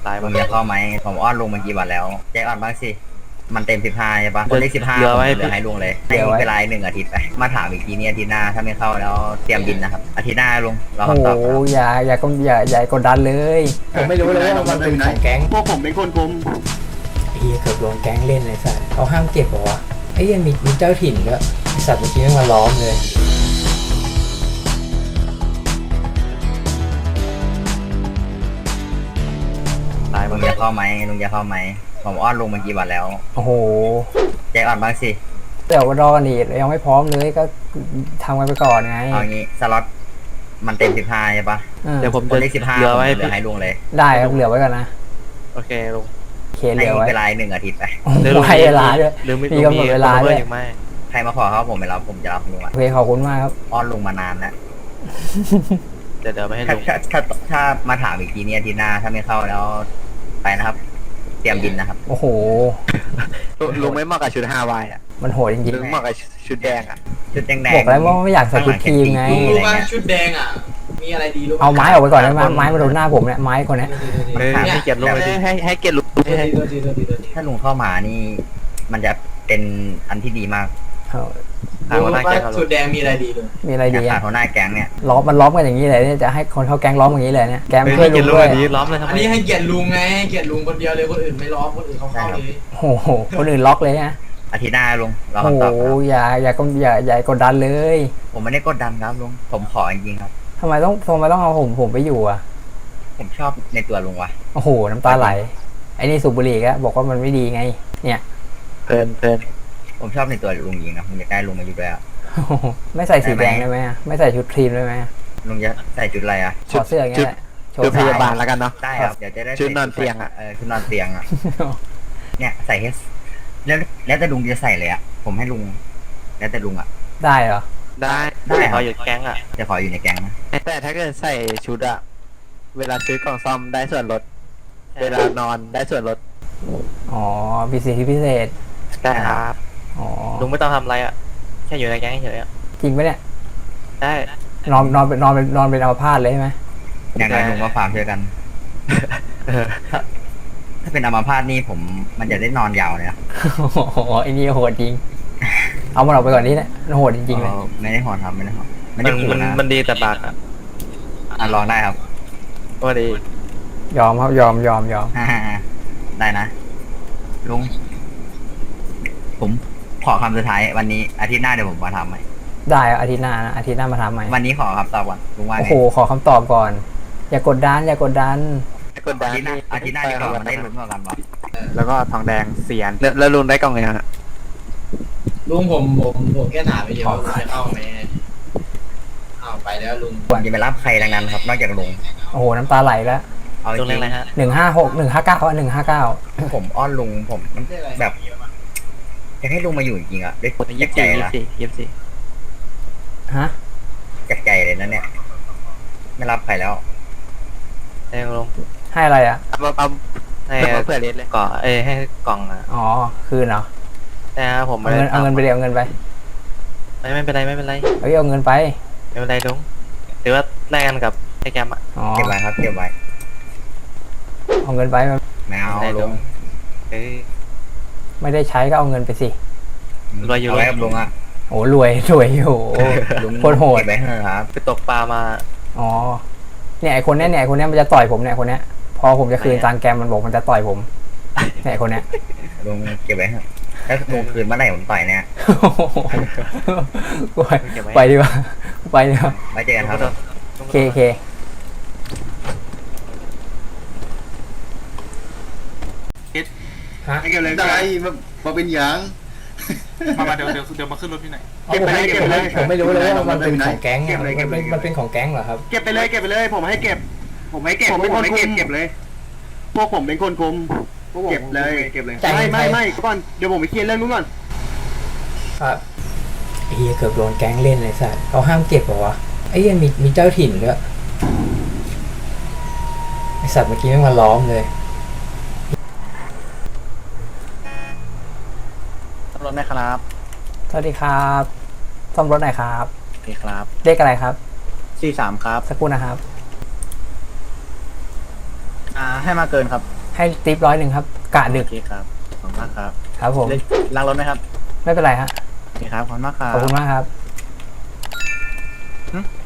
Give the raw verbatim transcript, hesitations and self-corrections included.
ตายมึงจะเข้าไหมผมอ้อนลุงมากี่วันแล้วแจ็คอ่อนบ้างสิมันเต็มสิบห้าใช่ปะคนเลขสิบห้าเหลือผมไว้เหลือให้ลุงเลยให้เวลาหนึ่งอาทิตย์ไปมาถามอีกทีนี้อาทิตย์หน้าถ้าไม่เข้าแล้วเตรียมบินนะครับอาทิตย์หน้าลุงรอโอ้คำตอบโหครับอย่าอย่าก็อย่าอย่ากดดันเลย ผมไม่รู้เลยว่ามันเป็นของแก๊งพวกผมเป็นคนคุมไอ้เหี้ยเกือบโดนแก๊งเล่นเลยสัตว์เขาห้ามเก็บเหรอวะไอ้เหี้ยังมีมีเจ้าถิ่นด้วยไอ้สัตว์เมื่อกี้มันมาล้อมเลยตายลุงจะเข้าไหมลุงจะเข้าไหมผมอ้อนลุงมากี่วันแล้วโอ้โหแจ็คอ่อนบ้างสิเดี๋ยวรอกันอีกยังไม่พร้อมเลยก็ทำกันไปก่อนไงเอางี้สล็อตมันเต็มสิบห้าใช่ปะอืมเดี๋ยวผมคจะนเลขสิบห้าเหลือผมไว้เหลือให้ลุงเลยได้ครับเหลือไว้ก่อนนะโอเคลุงเคเหให้ลือไว้เวลาหนึ่งอาทิตย์ไปโอ้โหเดี๋ยวลุงให้เวลาด้วยหรือไม่มีกำหนดเวลาด้วยอีกไหมใครมาขอเขาผมไม่รับผมจะรับลุงอะโอเคขอบคุณมากครับอ้อนลุงมานานแล้วเดี๋ยวเดี๋ยวไปให้ถ้าลุงถ้าถ้าถ้ามาถามอีกทีนี้อาทิตย์หน้าถ้าไม่เข้าแล้วไปนะครับ เตรียมบินนะครับโอ้โหลุงไม่เหมาะกับชุดฮาวายอ่ะมันโหดจริงลุงเหมาะกับชุดแดงอ่ะชุดแดงๆๆบอกแล้วว่าไม่อยากใส่ชุดทีมไงข้าหลัรู้งว่าแข่งจริงชุดแดงอ่ะ มีอะไรดีรู้เอาไม้ออกไปก่อนได้ไหมไม้มาโดนหน้าผมเนี่ยไม้คนเนี้ยเออให้เกียรติลุงให้ให้ให้เกียรติลุงตัวให้ดีตัวดีตัวดีตัวดีถ้าลุงเข้ามานี่ มันจะเป็นอันที่ดีมากเอาถามรู้ว่าหน้าว่าแก๊งกับลุชุงดแดงมีอะไรดีเลยมีอะไรอยาดีกขาอ่ะดหัวหน้าแก๊งเนี่ยล้อมมันล้อมกันอย่างนี้เลยเนี่ยจะให้คนเข้าแก๊งล้อมอย่างนี้เลยเนี่ยแก๊งเฮ้ยเพื่ให้อนเกีลุยรติง ด้วยลุงอันนี้ล้อมเลยทำไมอันนี้ให้เกียรติลุงไงให้เกียรติลุงคนเดียวเลยคนอื่นไม่ล้อมคนอื่นเขาเข้าเลยโอ้โหคนอื่นล็อกเลยนะอาทิตย์หน้าลุงรอโอ้คำโหตอบครับอย่าอย่าก็อย่าอย่ากดดันเลยผมไม่ได้กดดันครับลุงผมขอจริงๆครับทำไมต้องทำไมต้องเอาผมผมไปอยู่อ่ะผมชอบในตัวลุงว่ะโอ้โหน้ำตาไหลไอ้นี่สูบบุหรี่ก็บอกว่ามันไม่ดีไง เนี่ยเพลินเพลินผมชอบในตัวลุงจริงนะผมอยากได้ลุงมาอยู่ด้วยอะโอ้โหไม่ใส่สีแดงได้ไหมอะไม่ใส่ชุดครีมได้ไหมอะลุงจะใส่ชุดอะไรอ่ะถอดเสื้ออย่างเงี้ยแหละโชชุดว์พสายาบาลแล้วกันเนาะได้ครับเดี๋ยวจะได้ชุดนอนเตียงอะเออชุดนอนเตียงอ่ะเนี่ยใส่ให้แล้วแล้วแต่ลุงจะใส่เลยอ่ะผมให้ลุง แล้วแต่ลุงอ่ะได้เหรอได้ได้ครับเขาอยู่แก๊งอ่ะจะขออยู่ในแก๊งนะแต่ถ้าเกิดใส่ชุดอะเวลาซื้อกล่องซ่อมได้ส่วนลด เวลานอนได้ส่วนลดอ๋อพิเศษพิเศษได้ครับอ๋อลุงไม่ต้องทำอะไรอ่ะ แค่อยู่ในแก๊งเฉยๆอะจริงปะเนี่ยได้นอนนอนเป็นนอนเป็นนอนเป็นอัมพาตเลยใช่ไหมอย่างไรลุงก็ฟาร์มช่วยกันเออถ้าเป็นอัมพาตนี่ผมมันจะได้นอนยาวเลยนะโอ้โหไอ้นี่โหดจริง เอามันออกไปก่อนนี่แหละโหดจริงๆเลยออไม่ได้หอนครับไม่ได้หอนไม่มัได้นขู่มันนะมันดีแต่บากอ่ะอ่ะลองได้ครับว่าดียอมครับยอมยอมยอมได้นะลุงผมขอคำสุดท้ายวันนี้อาทิตย์หน้าเดี๋ยวผมมาทำใหม่ได้อาทิตย์หน้านะอาทิตย์หน้ามาทำใหม่วันนี้ขอคำตอบก่อนลุงว่าโอ้ไงโหขอคำตอบก่อน อย่ากดดันอย่ากดดันกดดัอาน ทิตย์หน้าอาทิตย์หน้าดีกว่ามันได้ลุ้นกว่ากันวะแล้วก็ทองแดงเสียนแล้วแล้วลุงได้กล่องไงฮะลุงผมผมผมแค่ถามไปเดียวว่าลุงจะเข้าไหมเอาไปแล้วลุงผมจะไปรับใครดังนั้นครับ นอกจากลุงโอ้โหน้ำตาไหลแล้วเอาจลุงเรีริยกงอะไรฮะหนึ่งห้าหกหนึ่งห้าเก้าหนึ่งห้าเก้าๆผมอ้อนลุงผมแบบอยากให้ลุงมาอยู่จริงๆอ่ะด้วยยี่จากสิบใจสี่ยี่นะสิบสี่ยี่สิบสี่ฮะจากใจเลยนะเนี่ย ไม่รับใครแล้วได้ลุงให้อะไรอ่ะเอาเอาให้เอาเผื่อเลสเลยก่อเอ้ยให้กล่องอ่ะอ๋อคืนเหรอแต่ผมเอาไม่เงิได้นเอาเงินไปเดี๋ยวเอาเงินไปไม่ไม่เป็นไรไม่เป็นไรเอ้ยเอาเงินไปไม่เป็นไรลุงหรือว่าแลกกันกับไอ้แกมอ่ะอ๋อเก็บไว้ครับเก็บไว้เอาเงินไปมันไม่เอาได้ลุลุงงเอ้ยไม่ได้ใช้ก็เอาเงินไปสิรวยอยู่เอาไว้กับลุงอ่ะโอ้รวยรวยอยู่โอ้ลุงโคตรโหดเก็บไว้เถอะครับไปตกปลามาอ๋อเนี่ยไอคนเนี้ยเนี่ยไอคนเนี้ยมันจะต่อยผมเนี่ยคนเนี้ยพอผมจะคืนตังค์แกมมันบอกมันจะต่อยผมเนี่ยไอคนเนี้ยลุงเก็บไว้เถอะถ้าลุงคืนเมื่อไหร่ผมต่อยเนี่ยกูไปไปดีกว่าไปดีกว่าไว้เจอกันครับโอเคโอเค ฮะเก็บเลยได้มามาเป็นหยางมามาเดี๋ยวเดี๋ยวเดี๋ยวมาขึ้นรถพี่หน่อยเก็บไปเลยเก็บไปเลยผมไม่รู้เลยว่ามันเป็นของแก๊งเก็อะบเลยมัเก็บนเลเป็ยนมันเป็นของแก๊งเหรอครับเก็บไปเลยเก็บไปเลย ผมให้เก็บ ผมให้เก็บผมเป็นคนคุมเก็บเลย พวกผมเป็นคนคุมเก็บเลยเก็บเลยจ่ายเงิไม่นไม่ใครไม่ก่อนเดี๋ยวผมไปเคลียร์เรื่องนู้นก่อนครับไอ้เหี้ยเกือบโดนแก๊งเล่นเลยสัตว์เขาห้ามเก็บเหรอวะไอ้เหี้ยมีมีเจ้าถิ่นด้วยไอสัตว์เมื่อกี้มันมาล้อมเลยรถไหมครับสวัสดีครับซ่อมรถหน่อยครับโอเคครับเลขอะไรครับสี่สามครับสักครู่นะครับอ่าให้มาเกินครับให้ติปร้อยหนึ่งครับกะดึกโอเคครับขอบคุณมากครับครับผมได้ล้างรถไหมครับไม่เป็นไรฮะโอเคครับขอบคุณมากครัขบอบคุณมากครับหึ